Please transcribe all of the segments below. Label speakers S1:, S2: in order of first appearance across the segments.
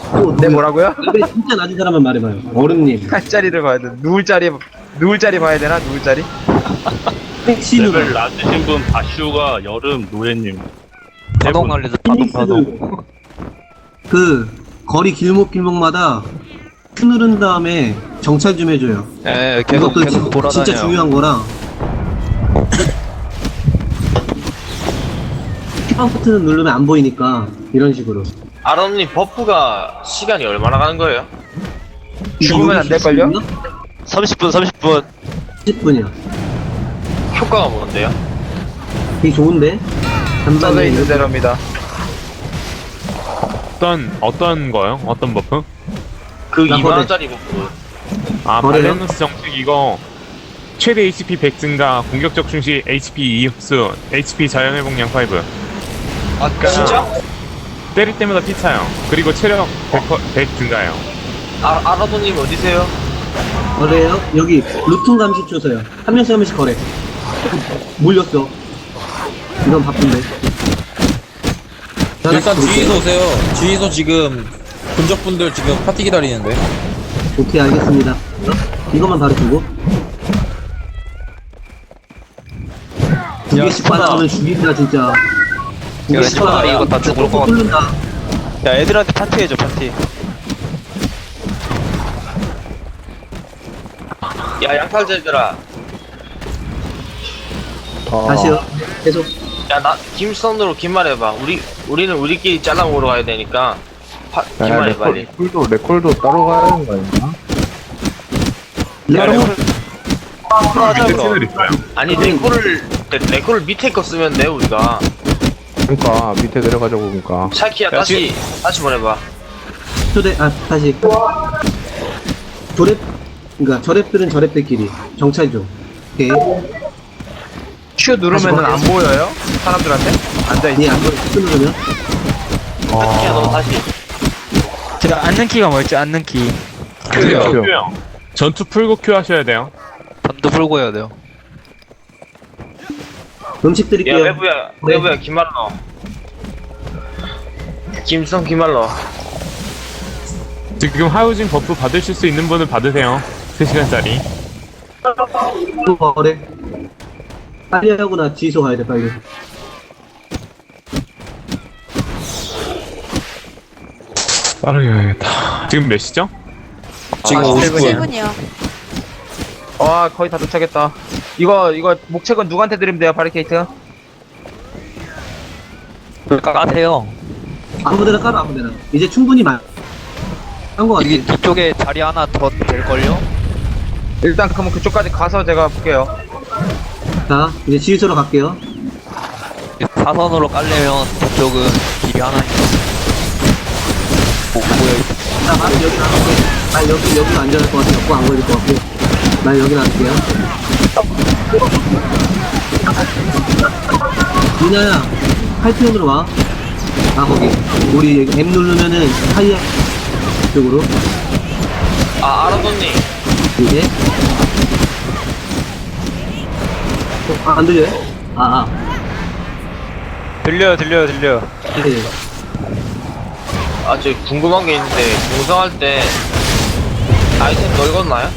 S1: 네, 뭐라고요?
S2: 레벨 진짜 낮은 사람만 말해봐요. 어른님.
S1: 한 자리를 봐야 돼. 누울 자리 봐야 되나? 누울 자리?
S2: 신우가.
S3: 레벨 낮으신 분 바슈가 여름 노예님.
S4: 파동 날리듯 파동 파동.
S2: 그 거리 길목마다 큐 누른 다음에 정찰 좀 해줘요.
S4: 예, 계속
S2: 이것도
S4: 계속 돌아다녀요.
S2: 진짜 중요한 거라. 키방 버튼을 누르면 안 보이니까 이런 식으로.
S5: 아론님 버프가 시간이 얼마나 가는 거예요?
S1: 죽으면 안 될걸요?
S4: 30분 30분.
S2: 10분이야.
S5: 효과가 뭔데요?
S2: 되게 좋은데?
S1: 써져
S2: 간단해.
S1: 있는 대로입니다.
S6: 어떤 거요? 어떤 버프?
S5: 그
S2: 나
S5: 2만원짜리 버프.
S6: 아,
S2: 거래요?
S6: 밸런스 정책 이거 최대 HP 100 증가, 공격적 충시 HP 2 흡수, HP 자연 회복량 5.
S5: 아 진짜?
S6: 때릴 때마다 피 차요. 그리고 체력 100 증가요.
S5: 아라도님 어디세요?
S2: 거래요? 여기 루튼 감시 초소요. 한 명씩 한 명씩 거래. 몰렸어. 이건 바쁜데.
S7: 일단 주의소 오세요. 주의소 지금 근접분들 지금 파티 기다리는데.
S2: 오케이, 알겠습니다. 이것만 바로 주고. 두 개씩 받아가면 죽인다, 진짜. 두
S4: 야,
S2: 개씩
S4: 스파다
S2: 받아.
S4: 이거 다 죽을 것 같아.
S2: 뚫는다.
S4: 야, 애들한테 파티해줘 파티.
S5: 야 양팔제들아.
S2: 다시요. 계속.
S5: 야 나 김선으로 긴 말 해봐. 우리는 우리끼리 잘라 먹으러 가야 되니까. 긴 말 해 빨리.
S8: 레콜도 따로 가야 되는 거 아닌가?
S2: 레벨
S6: 밑에 채널 있어요.
S5: 아니 레코를 밑에 거 쓰면 돼 우리가.
S8: 그러니까 밑에 내려가자고 보니까.
S5: 샤키야
S4: 야,
S5: 다시 보내봐.
S2: 초대, 다시. 조랩, 그니까 저랩들은 저랩들끼리. 정찰 좀. 오케이.
S1: Q 누르면은 안 보여요? 사람들한테? 앉아있지.
S2: 예, 안 보여. 큐 누르면.
S5: 샤키야 너 다시.
S9: 제가 앉는 키가 뭐였지? 앉는 키.
S6: Q요. 전투 풀고 Q 하셔야 돼요.
S4: 전도 풀고 해야 돼요.
S2: 음식
S5: 야
S2: 드릴게요.
S5: 외부야 긴 말 넣어. 김성 긴 말 넣어.
S6: 지금 하우징 버프 받으실 수 있는 분은 받으세요. 3시간짜리.
S2: 또 거래. 빨리 하고 나 지소 가야 돼, 빨리.
S6: 빠르게 해야겠다. 지금 몇 시죠?
S7: 지금 50분.
S1: 와, 거의 다 도착했다. 이거 목책은 누구한테 드리면 돼요, 바리케이트?
S4: 까세요.
S2: 아무데나 깔아, 아무데나. 이제 충분히 한거 같아.
S4: 여기 뒤쪽에 자리 하나 더 될걸요?
S1: 일단 그러면 그쪽까지 가서 제가 볼게요.
S2: 자, 이제 지휘소로 갈게요.
S4: 사선으로 깔려면 저쪽은 길이 하나 있어. 보여 있어.
S2: 나 바로 여기 나갈게. 나 여기로 앉아갈 것 같아. 갖고 안 걸릴 것 같고. 나 여기 나갈게요. 유나야, 팔피온으로 와. 아, 거기. 우리 M 누르면은 하이야 쪽으로.
S5: 아라도님.
S2: 이제. 안 들려요?
S4: 들려요.
S2: 네.
S5: 아 저 궁금한 게 있는데 공성할 때 아이템 넓었나요?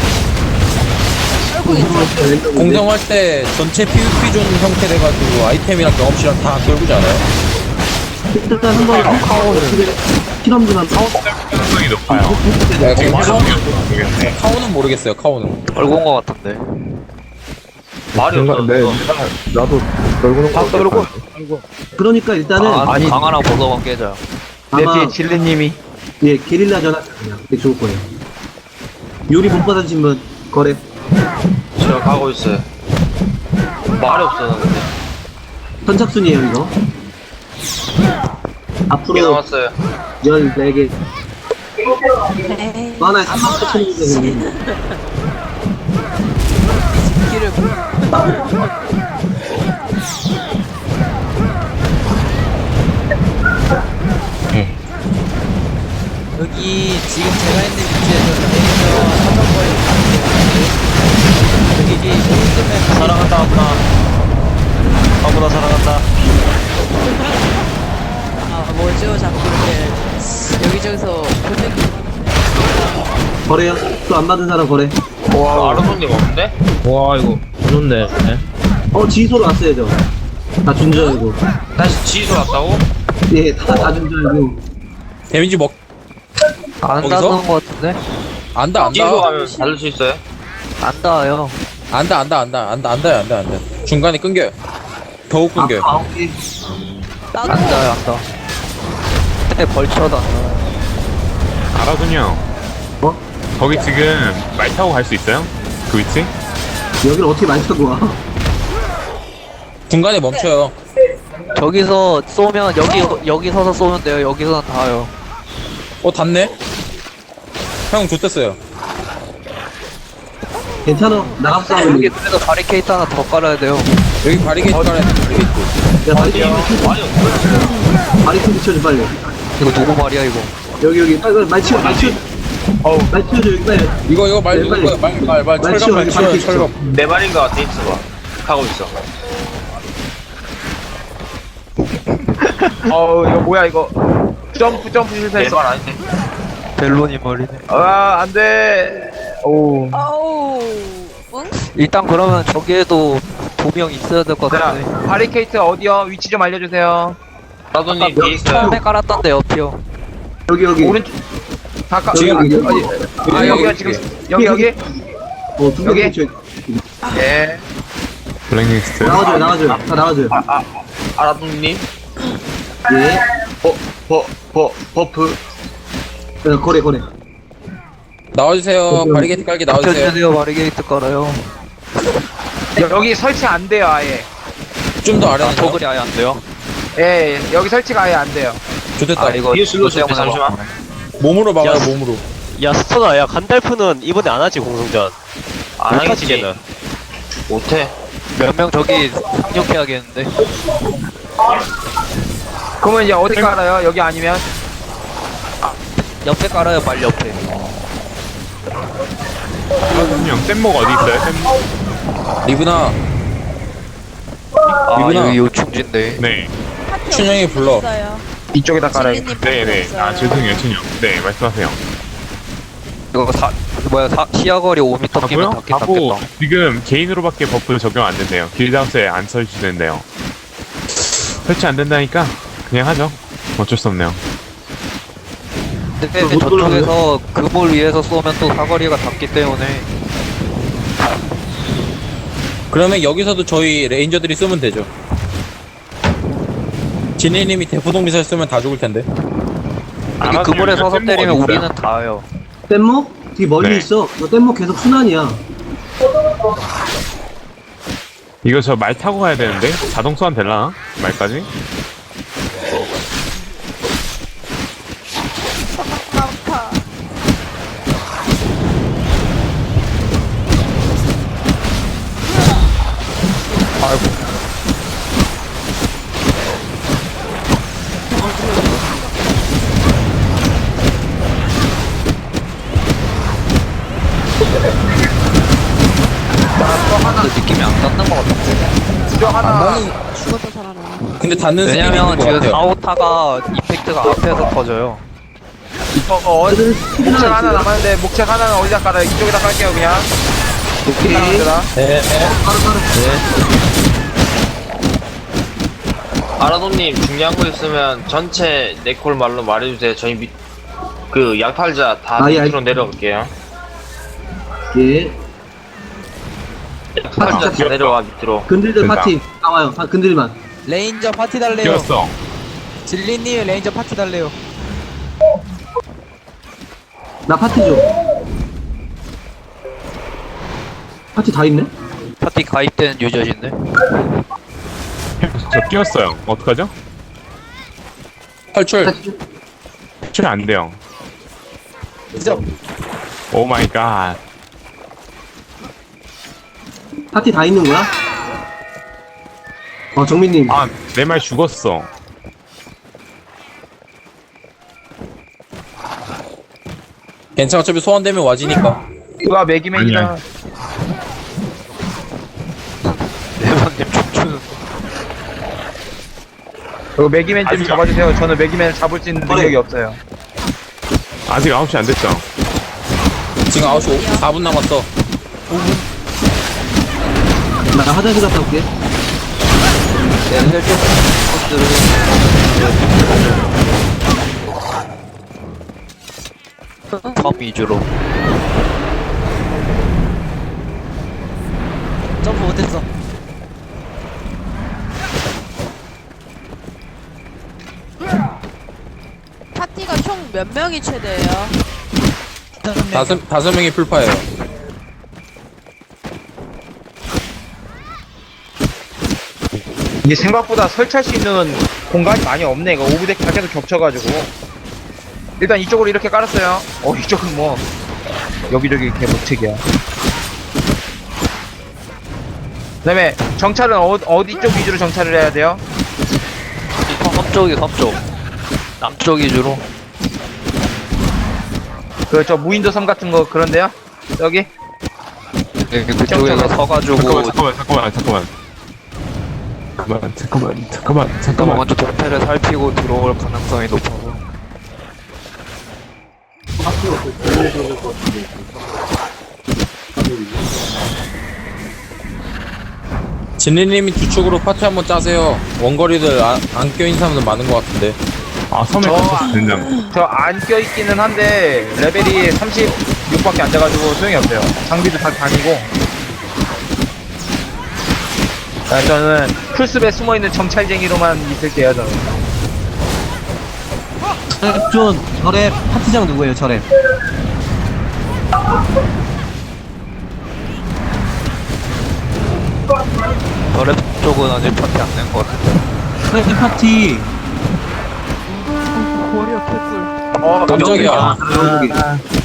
S7: 공성할 때 전체 PVP 존 형태 돼가지고 아이템이랑 경험치랑 다 떨구지 않아요?
S2: 일단 한번 실험 좀 한번.
S6: 가능성이 높아요.
S7: 네, 지금
S6: 모르겠네.
S7: 카오는 모르겠어요. 카오는.
S4: 떨군 것 같은데.
S5: 말이 없어.
S8: 나도 넓은 거
S1: 떨고.
S2: 그러니까 일단은
S4: 아니 강 하나 벗어만 깨자.
S1: 내
S2: 아마
S1: 뒤에 질리님이.
S2: 예, 게릴라 전화 그냥 되게 좋을 거예요. 요리 못 받으신 분 거래.
S5: 저 가고 있어요. 말이 없어 나 근데.
S2: 선착순이에요 이거.
S5: 몇 개
S2: 앞으로
S5: 남았어요.
S2: 14개. 하나에 3만 4천 원이거든요.
S9: 여기 지금 제가 있는 위치에서 내리면 한번거리 여기 이제 있으면
S4: 사랑한다 아무나 사랑한다.
S9: 아 뭐죠 자꾸 이렇게 여기저기서 표정이
S2: 거래요. 또 안 받은 사람 거래.
S5: 아르손님 없는데?
S7: 와 이거 좋네.
S2: 지소로 왔어요, 저. 다 준 줄 알고.
S5: 다시 지휘소 왔다고?
S2: 예, 다 준 줄 알고.
S7: 데미지 먹
S4: 안
S7: 거기서?
S4: 닿는 것 같은데?
S7: 안다
S5: 지휘소
S7: 안다.
S5: 가면 달릴 수 있어요?
S4: 안 닿아요.
S7: 안다. 중간에 끊겨요. 더욱 끊겨요.
S2: 오케이.
S4: 안 닿아요, 안 닿아. 근데 벌쳐도 안 닿아요.
S6: 알아서요.
S2: 어?
S6: 거기 지금 말 타고 갈 수 있어요? 그 위치?
S2: 여기를 어떻게 많이 타고 와?
S7: 중간에 멈춰요.
S4: 저기서 쏘면, 여기 서서 쏘면 돼요. 여기서는 닿아요.
S7: 닿네? 형 좋댔어요.
S2: 괜찮아. 나가서 싸우면
S4: 여기
S2: 돼.
S4: 그래도 바리케이트 하나 더 깔아야 돼요.
S7: 여기 바리게이트 깔아야 돼. 바리게이트.
S2: 야, 바리케이드 쳐줘, 빨리.
S4: 이거 누구 말이야, 이거?
S2: 여기, 빨리, 말 치워. 말 치워줘, 여기, 빨리.
S7: 이거 말
S2: 네,
S7: 누구
S2: 빨리.
S7: 거야? 말
S2: 말 치워,
S7: 철갑 말
S2: 여기
S7: 치워
S2: 바리케이트
S7: 철갑.
S5: 내 말인 것 같아, 있어봐. 하고 있어.
S1: 이거 뭐야 이거. 점프 실패했어.
S5: 내말 아닌데?
S4: 벨론이 말이네.
S1: 안돼. 오.
S9: 아우 응?
S4: 일단 그러면 저기에도 2명 있어야 될 것
S1: 자,
S4: 같은데.
S1: 바리케이트 어디요? 위치 좀 알려주세요.
S5: 아르손님 뒤에 있어요.
S4: 처음에 깔았던데, 옆이요.
S2: 여기.
S1: 오른쪽. 가까.
S2: 지금
S1: 어디?
S2: 여기.
S1: 여기가 지금 여기.
S2: 두
S1: 여기?
S2: 개 쳐요.
S1: 예.
S6: 블랙리스트.
S2: 나가줘요. 다 나가줘요.
S5: 아르손님?
S2: 예.
S5: 버프.
S2: 거래.
S7: 나와주세요. 바리게이트 깔게 나와주세요.
S4: 펴주세요, 바리게이트 깔아요.
S1: 여기 설치 안 돼요 아예.
S7: 좀 더 아래는
S4: 저글이 아예 안 돼요?
S1: 예, 여기 설치가 아예 안 돼요.
S7: 좋댔다.
S4: 이거
S5: 뒤에 슬로우 때
S4: 때문에
S5: 잠시만.
S7: 몸으로 막아요. 몸으로.
S10: 야 스토나 야 간달프는 이번에 안 하지 공성전
S5: 안 하겠지.
S10: 못하지게는
S5: 못해.
S4: 몇 명 저기 상륙해야겠는데.
S1: 그러면 이제 어디 깔아요? 여기 아니면?
S4: 옆에 깔아요, 빨리 옆에.
S6: 알아서요. 뗏목 어디 있어요? 뗏목?
S7: 리브나
S4: 아,
S7: 이구나.
S4: 여기 요충지인데.
S6: 네.
S7: 춘영이 불러.
S1: 이쪽에다 깔아요.
S6: 네네. 죄송해요, 춘영. 네, 말씀하세요.
S4: 이거 시야거리 5m 끼면
S6: 하고요?
S4: 닿긴
S6: 하고,
S4: 닿겠다.
S6: 지금 개인으로밖에 버프 적용 안 된대요. 길드하우스에 안 설치된대요. 설치 안 된다니까 그냥 하죠. 어쩔 수 없네요.
S4: 근데 이제 저쪽에서 그물 위에서 쏘면 또 사거리가 닿기 때문에.
S7: 그러면 여기서도 저희 레인저들이 쓰면 되죠. 진해님이 대포동 미사일 쓰면 다 죽을 텐데.
S4: 여기
S6: 알아서
S4: 그물에
S6: 여기가
S4: 서서
S6: 뗏목
S4: 때리면
S6: 어디 있어요?
S4: 우리는 닿아요.
S2: 뗏목? 되게 멀리
S6: 네.
S2: 있어. 너 뗏목 계속 순환이야.
S6: 이거 저 말 타고 가야 되는데 자동 소환 될라나? 말까지?
S4: 근데 느낌이 안 닿는 것 같아.
S1: 수정 하나.
S9: 죽어서 살아나.
S7: 근데 닿는 스킬이
S4: 왜냐면
S7: 있는 것
S4: 지금
S7: 같아요.
S4: 4호타가 이펙트가 앞에서 터져요.
S1: 목책 하나 남았는데 목책 하나는 어디다 깔아요? 이쪽에다 깔게요 그냥.
S2: 오케이.
S7: 네.
S5: 아라돈님 중요한 거 있으면 전체 네콜 말로 말해주세요. 저희 그 양팔자 다
S2: 예,
S5: 밑으로 내려갈게요.
S2: 예.
S5: 양팔자 다 내려와 밑으로.
S2: 근들들
S6: 된다.
S2: 파티 나와요. 근들만.
S9: 레인저 파티 달래요.
S6: 뛰었어.
S9: 진리님 레인저 파티 달래요.
S2: 나 파티 줘. 파티 다 있네?
S4: 파티 가입된 유저인데.
S6: 저 뛰었어요. 어떡하죠?
S7: 탈출.
S2: 파티 줘.
S6: 출안 돼요.
S9: 그죠?
S6: 오 마이 갓.
S2: 파티 다 있는 거야? 정민님.
S6: 아, 내 말 죽었어.
S7: 괜찮아. 어차피 소환되면 와지니까.
S1: 누가 매기맨이다.
S4: 대박님 춤추는.
S1: 이거 매기맨 좀 잡아주세요. 저는 매기맨을 잡을 수 있는 능력이 없어요.
S6: 아직 9시 안 됐죠?
S7: 지금 9시 4분 남았어.
S2: 나 화장실 갔다 올게.
S4: 혈족 것들을 섬 위주로.
S9: 점프 못했어.
S11: 파티가 총 몇 명이 최대예요?
S7: 다섯 명이 풀파예요.
S1: 이게 생각보다 설치할 수 있는 공간이 많이 없네. 이거 오브덱 다 계속 겹쳐가지고. 일단 이쪽으로 이렇게 깔았어요. 이쪽은 뭐 여기저기 개목책이야. 그다음에 정찰은 어디 쪽 위주로 정찰을 해야 돼요?
S4: 섬 쪽. 남쪽 위주로.
S1: 그 저 무인도 섬 같은 거 그런데요? 여기?
S4: 네, 그쪽에서 서가지고
S6: 잠깐만.
S4: 먼저 동태를 살피고 들어올 가능성이 높아서.
S7: 진리님이 뒤쪽으로 파티 한번 짜세요. 원거리들 안 껴있는 사람들 많은 것 같은데.
S6: 아, 섬에 갇혀서 된장.
S1: 저 안 껴있기는 한데 레벨이 36밖에 안 돼가지고 소용이 없어요. 장비도 다 다니고. 저는 풀숲에 숨어있는 정찰쟁이로만 있을게요. 저는.
S2: 절에 파티장 누구예요? 절에.
S4: 저랩 쪽은 아직 파티 안 낸 것 같은데.
S2: 이 파티.
S7: 깜짝이야.
S2: 여기.